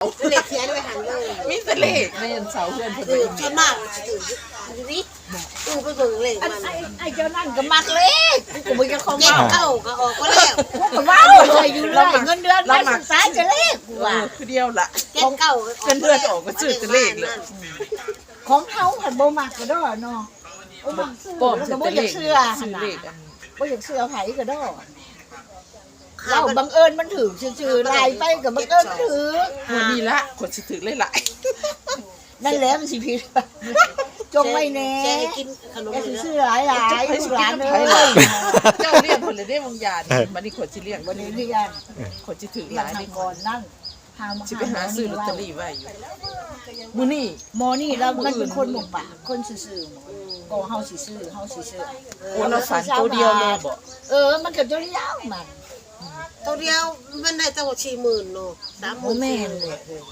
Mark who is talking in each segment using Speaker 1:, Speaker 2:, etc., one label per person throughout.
Speaker 1: เลขเขียนไว้หันเลย
Speaker 2: มีแต่เลขในอันเสาเพื่อนเพิ่น
Speaker 1: ส่วนมากถือนี่ไปเบิ่งเลขมัน
Speaker 3: ไอ้เจ้านั่นก็มักเลขกูบ่จะเข้า
Speaker 1: เก็
Speaker 3: มา
Speaker 1: บเข้าก็ออกก็แล้ว
Speaker 3: ก็ว้าวเลยอยู่เลยเงินเดือนมาศึกษาจะเลขกูว่า
Speaker 2: คือเดียวล่ะ
Speaker 1: เก็บเข้า
Speaker 2: เพื่อนออกก็ซื้อแต่เลขเลย
Speaker 3: ของเฮาหันบ่มักก็ดอเนาะบ่ซื้อ
Speaker 2: ป้อม
Speaker 3: ก็
Speaker 2: ซื้อ
Speaker 3: บ่
Speaker 2: แต่
Speaker 3: อ
Speaker 2: เล
Speaker 3: ยาก
Speaker 2: ข
Speaker 3: เชื่อ
Speaker 2: ซื้อเลขอัน
Speaker 3: บ่อยากเชื่อไผก็ดอเราบังเอิญมันถือชื่อๆลายไปก็บังเอิญถือ
Speaker 2: วันนี้ละคนสิถือหลาย
Speaker 3: นั่นแหละมันสิผิดจงไว้แน่
Speaker 1: แกให้กินขนม
Speaker 3: อย่า
Speaker 1: เลย
Speaker 3: ซื้อหลายลูกหลานเอ้ย
Speaker 2: ๆเจ้าเรียกคนเลยได้บางอย่างบัดนี้คนสิเรียก
Speaker 3: วั
Speaker 2: บั
Speaker 3: น
Speaker 2: ด
Speaker 3: นี้
Speaker 2: นี้
Speaker 3: เรียน
Speaker 2: คนสิถือห
Speaker 3: เรีย
Speaker 2: ลาน ย
Speaker 3: ทา
Speaker 2: นี่
Speaker 3: ง
Speaker 2: ก่
Speaker 3: ก่
Speaker 2: อ
Speaker 3: อน นนั่น
Speaker 2: สิไปหาซื้อลอตเตอรี่ไว้อยู่มื้อนี้
Speaker 3: หมอนี่แล้วมันเป็นคนหมกปากคนซื่อๆก็เฮาสิซื้อ
Speaker 2: โอ้เราฝันตัวเดียวเลยบ่
Speaker 3: มันก็จะยาวมัน
Speaker 1: ตัวเดียวมันได้ตั้ง40,000เนาะ
Speaker 3: โอ้แม่นเลย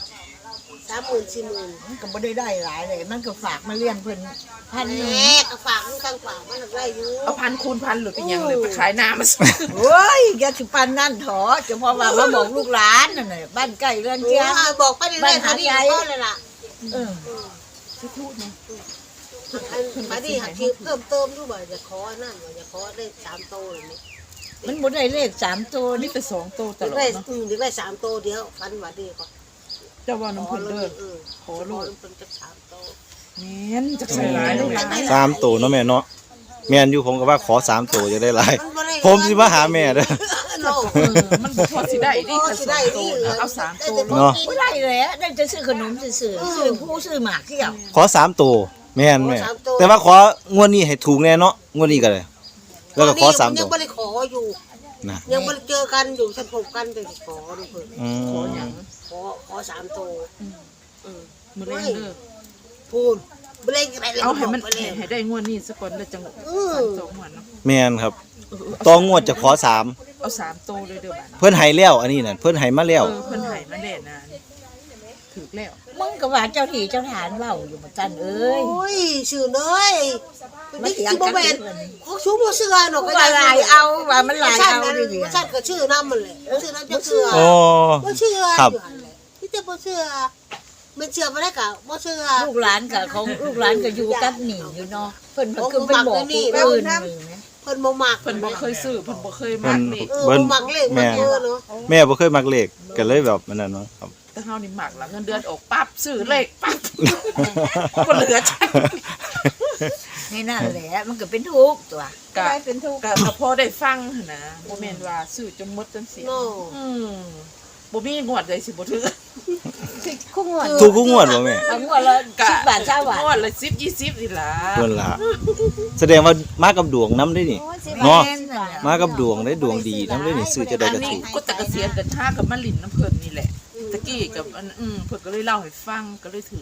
Speaker 1: 30,000
Speaker 3: มันก็บ่ได้หลายเลยมันก็ฝากมาเลี้ยงเพิ่นพัน
Speaker 1: 40,000
Speaker 3: หนึง
Speaker 1: แม่ก็ฝากมันตั้งฝากมันได้อยู่
Speaker 2: เอาพันคูณพันหรือเป็นหยังเลยไปขายน้ำมาซื้อ
Speaker 3: โอ้ยอย่าสิปานนั่นเถาะจะพอว่ามาบอกลูกหลานนั่นน่ะบ้านใกล้เรือนเคียง
Speaker 1: บอกไปเรื่อยๆเท่านี้ก็เลยล่ะ
Speaker 3: เออ
Speaker 2: สิพูดนะ
Speaker 1: มาดิหักทีเพิ่มเติมดูบ่จะขอนั่นจะขอได้3โตเลยนี่
Speaker 3: มันบ่ได้เลข3ตัว
Speaker 2: มี
Speaker 3: นี่
Speaker 2: แต่2โตตลอด
Speaker 1: ได้
Speaker 2: เนาะ
Speaker 1: ได้3โตเดียวฟันว่าดีก็
Speaker 2: เจ้าว่าน้ำเพิ่นเด้อ
Speaker 1: ขอลูกเพิ่นจะ3โต
Speaker 2: แม่นจักใส่หลายเลย
Speaker 4: 3ตัวเนาะแม่เนาะแม่นอยู่ผมก็ว่าขอ3ตัวจะได้หลายผมสิมาหาแม่เด้อ
Speaker 2: มันบ่พอสิได้ดิถ้าสองโตนะเอา3โต
Speaker 4: เนาะ
Speaker 3: บ่ได้เลยได้จะซื้อขนมซื่อๆซื้อผู้ซื้อหมากเที่ยว
Speaker 4: ขอ3ตัวแม่นแม่แต่ว่าของวดนี้ให้ถูกแน่เนาะงวดนี้ก็เลยแล้วก็ขอ3ตั
Speaker 1: ยั
Speaker 4: ว
Speaker 1: งบ่ได้ขออยู่
Speaker 4: นะ
Speaker 1: ยังบ่ได้เจอกันอยู่ฉันพบกันแต่ขอดูเพิ่น
Speaker 4: อื
Speaker 2: ขอ
Speaker 4: ม
Speaker 2: หยัง
Speaker 1: ขอ3โต
Speaker 2: มื้อแรงเด้อ
Speaker 1: พูนบ่เล่นอะไรเลย
Speaker 2: เอาให้มัน
Speaker 1: บ่เล่น
Speaker 2: ให้ได้งวดนี้ซะก่อนแล้วจังสองงวดเนาะ
Speaker 4: แม่นครับต่องวดจะขอ3
Speaker 2: เอา3โตเลยเด้อบัด
Speaker 4: เพิ่นให้แล้วอันนี้น่ะเพิ่นให้มาแล้ว
Speaker 2: เพิ่นให้มาแล้วนะถูกแล้ว
Speaker 3: มึงก็ว่าเจ้าที่เจ้าทานเว้าอยู่บ่จันเอ้ย
Speaker 1: โอ้ยชื่อเอ้ยมันสิบ่แม่นเขาชูบ่เชื่อเนาะ
Speaker 3: กูว่าลายเอาว่ามันลายเอาดิ
Speaker 1: บ่ชัดก็ชื่อนำมันแหละชื่อนำจะเชื่อ
Speaker 4: โอ้
Speaker 1: บ่เชื่อ
Speaker 4: ครับ
Speaker 1: ที่จะบ่เชื่อมันเชื่อบ่ได้ก็บ่เชื่อ
Speaker 3: ลูกหลานกับของลูกหลานก็อยู่กับหนีอยู่เนาะเพิ่นคือเป็นบอกผู้อื่น
Speaker 1: เพิ่นบ่มัก
Speaker 2: เพิ่นบ่เคยซื้อเพิ่นบ่เคยมักนี่
Speaker 1: บ่มักเลขบ่เชื่อเนาะ
Speaker 4: แม่บ่เคยมักเลขก็เลยแบบนั้นเนาะครับ
Speaker 2: แต่เฮานี่มักล่ะเงินเดือนออกปั๊บซื้อเลขปั๊บบ่เหลือใช้
Speaker 3: นี่นั่นแหละมันก็เป็นทุกข์ตัว
Speaker 2: ก็เป็นทุกข์ก็พอได้ฟังหั่นนะบ่แม่นว่าซื้อจนหมดจนเสีย
Speaker 1: เนาะ
Speaker 2: บ่มีงวดใดสิบ่ถือ
Speaker 3: คู่งวด
Speaker 4: ถูกทุกงวดบ่แม่
Speaker 3: บางงวดละ10 บาท20 บาท
Speaker 2: งวดละ10 20นี่ล่ะ
Speaker 4: เพิ่นล่ะแสดงว่ามากับดวงนำได้นี่ เนาะ มากับดวงได้ดวงดีนำได้นี่ซื้อจะได้
Speaker 2: อัน
Speaker 4: ก็
Speaker 2: นี้
Speaker 4: ถูก
Speaker 2: ก็แต่เกษียณกันท่ากับมาลินน้ำเพิ่นนี่แหละตะกี้กับอันเพิ่นก็เลยเล่าให้ฟังก็เลยถือ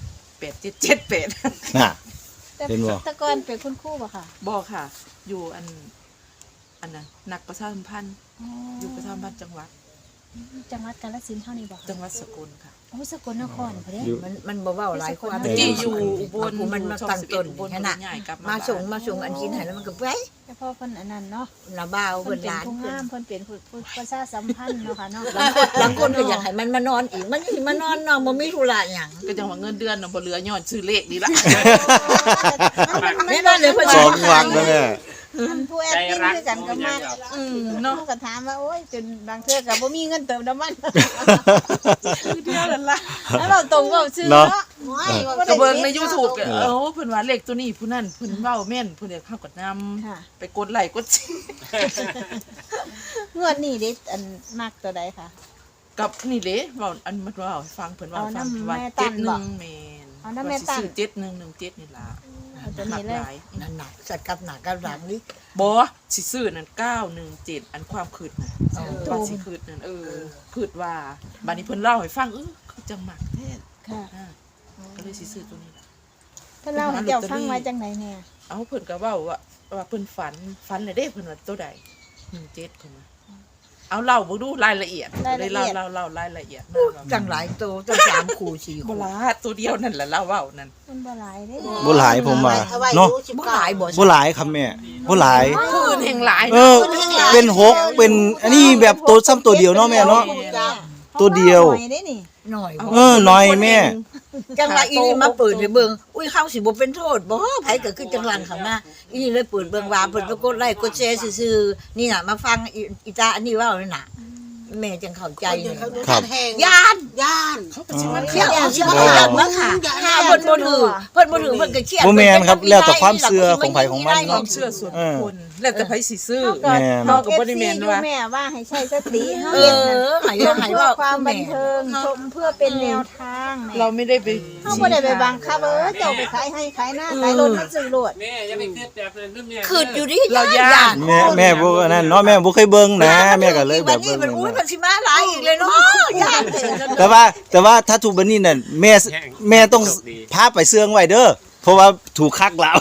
Speaker 2: 8778
Speaker 4: น่ะ เห็นบ่
Speaker 5: แต่ก่อนเป็นคุณครูป่ะค่ะ
Speaker 2: บ่ค่ะ อยู่อันน่ะนักประชาสัมพันธ์อยู่ประชาสัมพันธ์จังหวัด
Speaker 5: จังหวัดกาฬสินธุ์เท่านี้ป่ะ
Speaker 2: จังหวัดสกลค่ะ
Speaker 5: โอ้สกลนครพอดี
Speaker 4: อยู่
Speaker 3: มันบ่เว้าหลายความ
Speaker 2: ตะกี้อยู่อุบล
Speaker 3: มันมาตั้งต้นขนาด
Speaker 2: ใหญ่กลับ
Speaker 3: มาส่งอันกินให้แล้วมันก็ไป
Speaker 5: แต่พอเพิ่นอันนั้นเนาะ
Speaker 3: ละบ่าว
Speaker 5: เพิ่
Speaker 3: เพิ่
Speaker 5: น
Speaker 3: น
Speaker 5: เป็น
Speaker 3: หลาน
Speaker 5: ผู้
Speaker 3: เพิ่น
Speaker 5: งามเพิ่นเป็นผู้ประชาสัมพันธ์เนาะค่ะเนาะ
Speaker 3: บางคนก็อยากให้มันมานอนอีกมันสิมานอนเนาะบ่มีธุระหยัง
Speaker 2: ก็จังว่าเงินเดือนน่ะบ่เหลือย้อนซื้อเลขนี่ล่ะ
Speaker 3: แม่นอนเลยเพิ่น
Speaker 4: สองวักแล้วแม่
Speaker 5: มันผู้แอดมินคือกันก็มา
Speaker 2: เนาะ
Speaker 5: เขาก็ถามว่าโอ้ยจนบางเทื่อก็บ่มีเงินเติมน้ำมัน
Speaker 2: คือเดียวนั่นล่ะ
Speaker 5: แล้วเราตรงก็ชื่อ
Speaker 4: เนาะ
Speaker 5: เนาะ
Speaker 1: โอ้ย
Speaker 2: ก็เบิ่งใน YouTube ก็เพิ่นว่าเลขตัวนี้ผู้นั้นเพิ่นเว้าแม่นเพิ่นอยากเข้ากับนำ
Speaker 5: ค่ะ
Speaker 2: ไปกดไลค์กดแชร์
Speaker 5: งวดนี้เด็ดอันมักตัวใดค่ะ
Speaker 2: กับนี่เด้เว้าอันมันเว้าให้ฟังเพิ่นเว้าให้ฟัง
Speaker 5: เอาน้ำ
Speaker 2: ว่า
Speaker 5: แม่ตั้นบ่
Speaker 2: 71แม่น
Speaker 5: เอาน้ำแม่ตั้น
Speaker 2: ว่าสิซื้อ7117นี่ล่ะ
Speaker 5: เอาตัวนี้เลย
Speaker 2: หลาย
Speaker 3: นั่นน่ะสัตว์กับหนักกับหลังนี่
Speaker 2: บ่สิซื้อนั่น917อันความคิดน่ะว่าสิคิดนั่นคิดว่าบัดนี้เพิ่นเล่าให้ฟังคือจังมักแท้
Speaker 5: ค่ะ
Speaker 2: ก็เลยสิซื้อตัวนี้ล่ะ
Speaker 5: เพิ่นเล่าให้เจ้าฟังไว้จังไดแน่
Speaker 2: เอาเพิ่นก็เว้าว่าเพิ่นฝันเลยเด้เพิ่นว่าตัวใด17เพิ่นว่าเอาเล่าบ่ดูรายละเอียดเลยเล่ารายละเอียดมาว่า
Speaker 3: จังหลายโตจัง3คู่4
Speaker 2: บ่
Speaker 3: คู่
Speaker 2: ล่ะตัวเดียวนั่นแหละเล่าเว้านั่น
Speaker 5: มันบ่หลายเด้
Speaker 4: บ่หลายผมว่าเนาะ
Speaker 3: บ่หลายบ่
Speaker 4: บ่หลายครับแม่บ่หลาย
Speaker 2: ผู้อื่นแห่งหลาย
Speaker 4: เออเป็น6เป็นอันนี้แบบตัวซ้ำตัวเดียวเนาะแม่เนาะ ตัวเดียว
Speaker 5: หน่อได้นี่
Speaker 3: หน่อย
Speaker 4: หน่อยแม่
Speaker 3: จังหวะอีนี่มาเปิดให้เบิ่งอุ้ยเข้าสิบ่เป็นโทษบ่ไผก็คือจังหวัดเขามาอีนี่เลยเปิดเบิ่งว่าเพิ่นก็กดไลค์กดแชร์ซื่อๆนี่น่ะมาฟังอีตาอันนี้เว้านี่น่ะแม่จังเข้าใจนี่
Speaker 4: ครับ
Speaker 3: ย่าน
Speaker 1: ย่าน
Speaker 2: เขาก็สิมา
Speaker 3: เที่ยว
Speaker 2: เขา
Speaker 3: สิมาเบิ่งมาค่ะถ้าเพิ่นบ่ถือเพิ่นก็เครียด
Speaker 4: บ่แม่นครับแล้วแต่ความเชื่อของไผของมัน
Speaker 2: ควา
Speaker 4: เนาะ
Speaker 2: มเชื่อส่วนบุคคลแล้วแต่ไผสิซื้อ
Speaker 4: แม่น
Speaker 2: เฮาก็บ่ได้แม่นว่า
Speaker 5: แม่ว่าให้ใช้สติเฮา
Speaker 3: เอ
Speaker 5: เฮ็ด
Speaker 3: อ
Speaker 5: นั่น
Speaker 3: ให้ว่า
Speaker 5: เพื่อความบันเทิงชมเพื่อเป็นแนวทาง
Speaker 2: เราไม่ได้ไป
Speaker 5: เฮาบ่ได้ไปบังคับเจ้าไปขายให้ขายหน้าขายรถมาซื้อรถ
Speaker 6: แม่อย่าไปคิดแบบนั้นเด้อแม่
Speaker 3: คืออยู่ดิ
Speaker 2: เราย่าน
Speaker 4: แม่บ่นั่นเนาะแม่บ่เคยเบิ่งนะแม่ก็เลยแบบ
Speaker 3: นี้
Speaker 4: เบิ่ง
Speaker 3: มันอุ้ยมันสิมาหลายอีกเลยเนาะย่าน
Speaker 4: แต่ว่าถ้าถูกบันนี้นั่นแม่ต้องพาไปเสื่องไว้เด้อเพราะว่าถูกคักแล้ว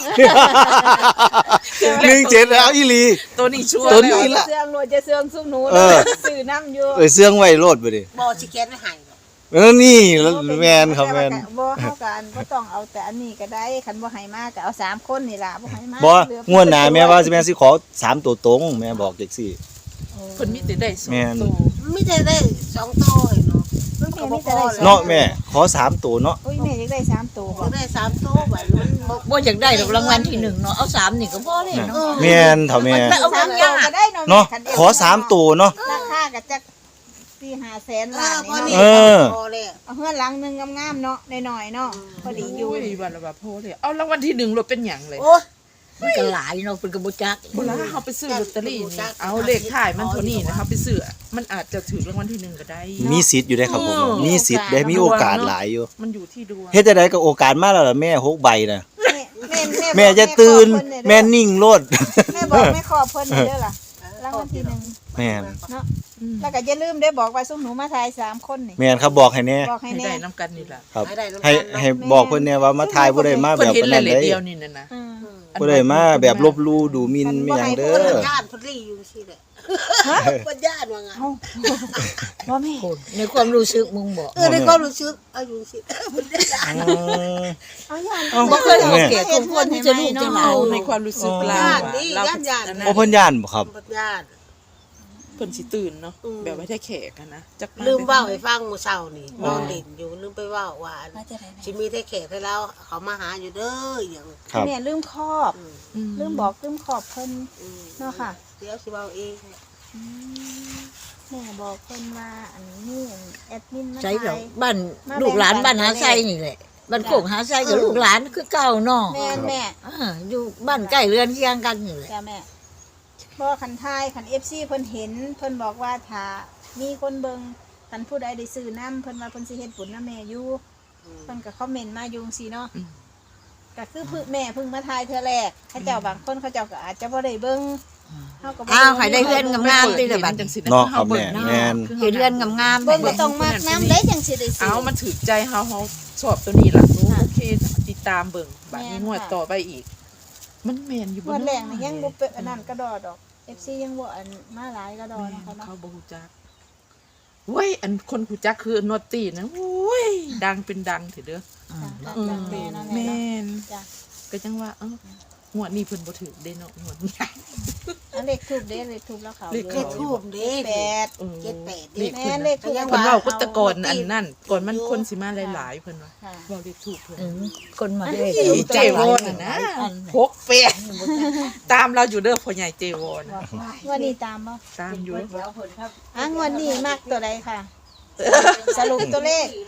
Speaker 4: 17แล้วอีหลี
Speaker 2: ตัวนี้ชัวร์
Speaker 4: ตัวนี้
Speaker 2: แล้ว
Speaker 5: เสื่องรถจะเสื่องซุ่มหนูซื้อน้ำอยู่
Speaker 4: เสื่องไว้โลดบ่ดิ
Speaker 1: บ่สิเขียนไว้ให้
Speaker 4: นี่แม่นครับแม่น
Speaker 5: บ่เฮากันบ่ต้องเอาแต่อันนี้ก็ได้คันบ่ให้มาก็เอา3คนนี่ล่ะบ่ให้มา
Speaker 4: บ่งวดหน้าแม่ว่าสิแม่สิขอ3ตัวตรงแม่บอกจังซี่
Speaker 2: เพิ่นมีแต่ได้สอง
Speaker 4: แม่น
Speaker 2: ตัว
Speaker 1: ไม่ได้2โตให้เนาะ
Speaker 5: แม่มีแต่ได้
Speaker 4: เนาะแม่ขอ3ตัวเนาะ
Speaker 5: อุ้ยแม่อยากได้3ตัวบ่
Speaker 1: ได้3โตบัดมันบ่
Speaker 3: บ่อยากได้ดอกรางวัลที่1เนาะเอา3นี่ก็พอเลยเนาะ
Speaker 4: แม่นเฒ่าแม่
Speaker 3: เอา
Speaker 5: 3
Speaker 3: เงิน
Speaker 5: ตั
Speaker 3: ยาว
Speaker 5: ก็ได้เนาะ
Speaker 4: เนาะขอ3ตัวเนาะ
Speaker 5: ราคาก็จัก4-5 แสน
Speaker 1: เอ
Speaker 5: ล้า
Speaker 1: อน พอ
Speaker 5: นี่
Speaker 1: นี่
Speaker 5: เนาะ
Speaker 1: พอแล้ว
Speaker 5: เอาเฮือนหลังนึงงามๆเนาะน้อยๆเนาะพอดีอยู่
Speaker 2: โอ้ยวันละบาทโพเลยเอารางวัลที่1รถเป็นหยังเลย
Speaker 1: โอ้ย
Speaker 3: มันก็หลายเนาะเพิ่นก็บ่จัก
Speaker 2: เวลาเขาไปซื้อลอตเตอรี่นี่เอาเลขท้ายมันเท่านี้นะครับไปซื้อมันอาจจะถือรางวัลที่1ก็ได้
Speaker 4: มีสิทธิ์อยู่ได้ครับผมมีสิทธิ์ได้มีโอกาสหลายอยู่
Speaker 2: มันอยู่ที่ดวง
Speaker 4: เฮ็ดจังไดก็โอกาสมาแล้วล่ะแม่6ใบน่ะ
Speaker 5: แม่
Speaker 4: แม่จะตื่นแม่นิ่งโลด
Speaker 5: แม่บอกแม่ขอเพิ่นเด้อล่ะรางวัลที่1
Speaker 4: แม่น
Speaker 5: เนาะแล้วก็อย่าลืมได้บอกว่าซุ่มหนูมาทาย3คนนี่
Speaker 4: แม่นครับบอกให้แน่
Speaker 5: บอกให้
Speaker 2: ให้
Speaker 5: แน่
Speaker 2: ได้น้ำกันนี่ล่ะ
Speaker 4: ครับ
Speaker 1: ได้น้ำ
Speaker 4: ให้
Speaker 1: ตาลเนาะ
Speaker 4: ให้บอกเพิ่นแน่ว่ามาทายบ่ได้มา
Speaker 2: เพิ่
Speaker 4: แบ
Speaker 2: น
Speaker 4: บ
Speaker 2: เห็น
Speaker 4: นั้น
Speaker 2: หลายๆ
Speaker 4: เด้
Speaker 2: เดียวนี่นะ
Speaker 5: อืม
Speaker 4: บ่ได้มาแบบลบลู่ดูหมิ่นไม่หยังเด้
Speaker 1: เพิ่น
Speaker 4: อ
Speaker 1: ญาติเพิ่นรีอยู่ซี่แหละเพิ่นญาติว่าไง
Speaker 5: บ่แม่
Speaker 3: ในความรู้สึกมึงบอก
Speaker 1: ในความรู้สึกเอาอยู่ซี่เพิ่นญาติ
Speaker 5: เอาย่าน
Speaker 3: บ่เคยเอาแก่คนคนที่จะรู้จังไหน
Speaker 2: เอาในความรู้สึกเรา
Speaker 1: ญาติ
Speaker 2: อะ
Speaker 1: นี่
Speaker 2: เรา
Speaker 1: ญาติ
Speaker 4: โอ้เพิ่นย่านบ่ครับ
Speaker 1: เพิ่นญาติ
Speaker 2: เพิ่นสิตื่นเนาะ
Speaker 1: อืม
Speaker 2: แบบว่าได้แขกอะนะจัก
Speaker 1: ลืมเว้าให้ฟังมื้อเช้านี่นอนเล่นอยู่ลืมไปเว้าว่าสิมีแต่แขกให้เราเขามาหาอยู่เด้อหยัง
Speaker 4: ครับ
Speaker 5: แม่ลืมครอบ ลืมบอกลืมขอบเพิ่น เนาะค่ะ
Speaker 1: เดี๋ยวสิเว้าเอง
Speaker 5: แม่บอกเพิ่นว่าอันนี้แอดมินมา
Speaker 3: ใช่เหรอ
Speaker 5: ทาย
Speaker 3: บ้านลูกหลานบ้านหาไส้นี่แหละบ้านโคกหาไส้กับลูกหลานคือเก่าเนาะ
Speaker 5: แม่นแม่
Speaker 3: อยู่บ้านใกล้เรือนเคียงกันนี่แหละ
Speaker 5: จ้าแม่บ่คันทายคัน FC เพิ่นเห็นเพิ่นบอกว่าถ้ามีคนเบิ่งคันผู้ใดได้ซื้อน้ำเพิ่นว่าเพิ่นสิเฮ็ดบุญนำแม่อยู่เพิ่นก็คอมเมนต์มาอยู่จังซี่เนาะก็คือเพิ่งแม่เพิ่งมาทายเทื่อแรกเขาเจ้าบางคนเขาเจ้าก็อาจจะบ่ได้เบิ่งเฮาก็บ่
Speaker 3: อ้าวให้ได้เรือนงามๆติละบัด
Speaker 2: จังสิ
Speaker 4: เนาะครับแม่แม่น
Speaker 3: เห็นเรือนงามๆ
Speaker 5: เบิ่งก็ต้องมักน้ำได้จังสิได้ซื้
Speaker 2: เอามันถือใจเฮาชอบตัวนี้ล่ะโอเคติดตามเบิ่งบัดนี้งวดต่อไปอีก มันแม่นอยู่
Speaker 5: งวดแรกนี่ยังบ่เป็นอันนั้นกระดอดอก FC ยังบ่อันมาหลายกระดอนะคะเนาะ
Speaker 2: เขาบ่ฮู้จักเว้ยอันคนฮู้จักคือนอตตี้นะโอ้ยดังเป็นดังเถอะเด้อ
Speaker 5: จ้ะแม่เนาะแม่
Speaker 2: แม่
Speaker 5: เนาะ
Speaker 2: น
Speaker 5: จ้ะ
Speaker 2: ก็จังว่าเอ้างวดนี้เพิ่นบ่ถือเด้เนาะงวดนี้
Speaker 5: อันเลขทูบเด้เลขทูบแล้วเขา
Speaker 2: เลข
Speaker 1: เลขทูบเด้
Speaker 5: แปด
Speaker 2: เออ
Speaker 1: 78
Speaker 2: เล
Speaker 1: เด้
Speaker 2: ข
Speaker 5: แม่เลขทูบ
Speaker 1: ยัง
Speaker 2: เพิ่น
Speaker 1: ว่า
Speaker 2: เว้ากุตะกอนอันนั้นก่อนมันคนสิมาหลายๆเพิ่นว่า
Speaker 5: ค่ะ
Speaker 2: เว้าเลขถูกเพิ่น
Speaker 3: คนมาด้วย
Speaker 2: อีเจวอนน่ะนะพกเปะตามเราอยู่เด้อพ่อใหญ่เจวอน
Speaker 5: งวันนี้ตามบ่
Speaker 2: ตามอยู่
Speaker 5: งวดนี้มักตัวใดค่ะ สรุปตัวเลข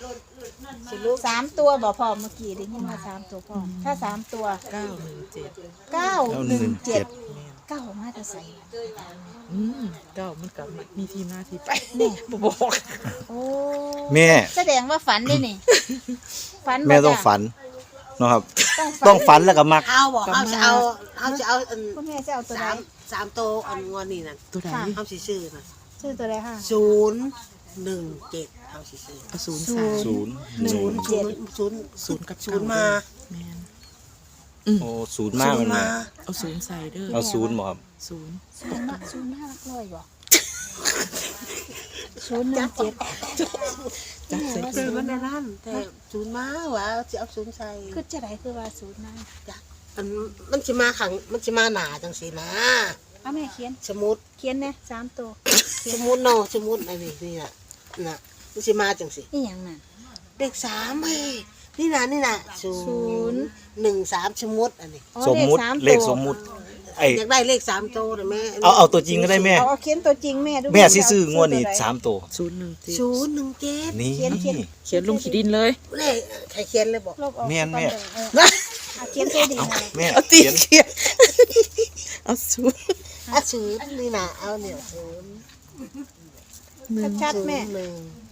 Speaker 5: 3ตัวบ่พอเมื่อกี้ได้ยินว่า3ตัวพอถ้า3ตัว
Speaker 2: 917
Speaker 5: 917 9มาแต่ไส
Speaker 2: เก้ามันก็มีที่มาที่ไปบ่บอก
Speaker 5: โอ้
Speaker 4: แม่
Speaker 5: แสดงว่าฝันได้นี่ฝันบ่
Speaker 4: แม่ต้อง
Speaker 5: จ้ะ
Speaker 4: ฝันเนาะครับ
Speaker 5: ต้
Speaker 4: ต้
Speaker 5: อ
Speaker 4: อง ง
Speaker 5: ฝัน
Speaker 4: ฝันแล้วก็มัก
Speaker 1: เอาบ่เอาจะเอาอัน
Speaker 5: คุณแม่จะเอาตัวใด
Speaker 1: 3โตอันงอนนี่นั่น
Speaker 2: ตัวใด
Speaker 1: เอาสิซื้อน่ะ
Speaker 5: ชื่อตัวใดค่ะ
Speaker 1: 017เอาสิซื้อ
Speaker 2: เอาศูนย์
Speaker 5: ศู
Speaker 2: ใส่
Speaker 5: นย์
Speaker 4: ศูนย์
Speaker 2: ศูนย์กับ
Speaker 1: ศูนย์มา
Speaker 2: แม่น
Speaker 4: โอ้ศูนย์มากมันแม่
Speaker 2: เอาศูนย์ใส่เด้อ
Speaker 4: เอาศูนย์บ่ครับ
Speaker 2: ศูนย์
Speaker 5: 05หลักร้อยบ่017
Speaker 2: จับใส่
Speaker 1: ซื้อมันในนั้นแต่ศูนย์มาว่าสิเอาศูนย์ใส่
Speaker 5: คือจะได้คือว่า0นะ
Speaker 1: อันมันสิมาขังมันสิมาหนาจังซี่นะ
Speaker 5: เอาแม่เขียน
Speaker 1: สมุด
Speaker 5: เขียนแน่3ตัว
Speaker 1: สมุดเนาะสมุดอันนี้นี่น่ะน่ะมันสิมาจังสิ
Speaker 5: นี่หยังน่ะ
Speaker 1: เลข3เฮ้ยนี่น่ะ013สมมุติอันนี้
Speaker 5: อ๋อ
Speaker 4: สมมุติ
Speaker 5: สาม
Speaker 4: เลข
Speaker 5: ตัว
Speaker 4: สมมุติไอ้
Speaker 1: อยากได้เลข3โตนะแม่
Speaker 4: เอาตัวจริงก็ได้แม่
Speaker 5: เอาเขียนตัวจริงแม่ดู
Speaker 4: แม่สิซื้องวดนี้3ตัว
Speaker 1: 017
Speaker 4: นี่
Speaker 5: เขียน
Speaker 2: เขียนลงขีดินเลย
Speaker 1: เลขใครเขียนเลยบอก
Speaker 5: ลบออก
Speaker 4: แม่น
Speaker 5: ก่อน
Speaker 4: แม่
Speaker 5: เด้อเอาเขียนตัวดีหน่อย
Speaker 4: แม่
Speaker 2: เอาตี
Speaker 4: เขียน
Speaker 2: เขียนเอาศูนย์
Speaker 1: ศูนย์นี่น่ะเอาเนี่ยศูนย์
Speaker 5: ชัดๆแม่
Speaker 1: หนึ่ง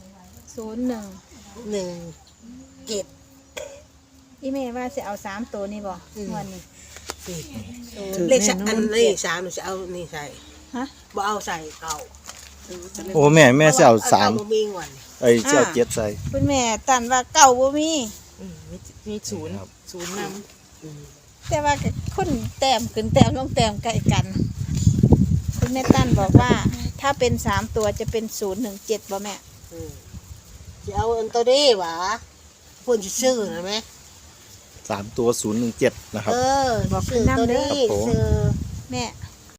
Speaker 5: 01
Speaker 1: เจ็ด
Speaker 5: อีแม่ว่าสิเอา3ตัวนี่บ่
Speaker 1: อืม
Speaker 5: งวดนี้
Speaker 1: เลขอันเลข3หนูจะเอานี่ใส่
Speaker 5: ฮะ
Speaker 1: บ่เอาใส่เก่า
Speaker 4: โอ้แม่สิเอา
Speaker 1: เก่บ่มีงวดนี่
Speaker 4: 3ไอ้สิเอา7ใส่
Speaker 5: คุณแม่ตันว่าเก่าบ่มี
Speaker 2: มีศูนย์
Speaker 4: ครับ
Speaker 2: ศูนย์น
Speaker 5: แต่ว่าก็คนแต้มขึ้นแต้มลงแต้มใกล้กัน คุณแม่ตั้นบอกว่า ถ้าเป็น3ตัวจะเป็น017บ่แม่
Speaker 1: จะเอาอันตัวนี้หวะเพิ่นสิซื้อนะแม่
Speaker 4: 3ตัว017นะครับ
Speaker 1: บอก
Speaker 5: บอก
Speaker 1: ซื้อ
Speaker 5: นำ
Speaker 1: ตัว
Speaker 5: เด้อ
Speaker 1: นี้
Speaker 4: ครับผม
Speaker 1: ซื้อ
Speaker 5: แม่